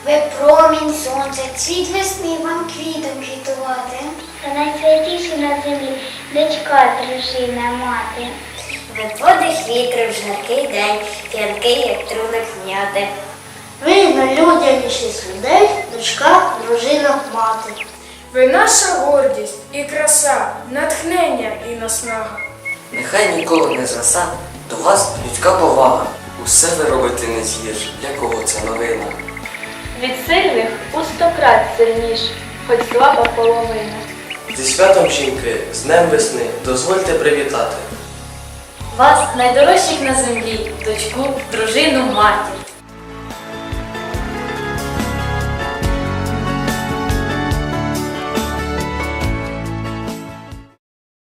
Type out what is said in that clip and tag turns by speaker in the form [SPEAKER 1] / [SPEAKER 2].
[SPEAKER 1] Ви промінь сонця, цвіт весни вам квітом квітувати.
[SPEAKER 2] Та найсвятіші на землі дочка, дружина, мати.
[SPEAKER 1] Ви подих вітру в жаркий день, п'янкий, як трунок м'яти.
[SPEAKER 3] Ви найлюдяніші з людей, дочка, дружина, мати.
[SPEAKER 4] Ви наша гордість і краса, натхнення і наснага.
[SPEAKER 5] Нехай ніколи не зраса до вас людська повага. Усе ви робите не згірш, для кого це новина.
[SPEAKER 6] Від сильних у 100 крат сильніш, хоч слаба половина.
[SPEAKER 7] Зі святом жінки, з Днем весни, дозвольте привітати.
[SPEAKER 6] Вас, найдорожчих на землі, дочку, дружину, матір.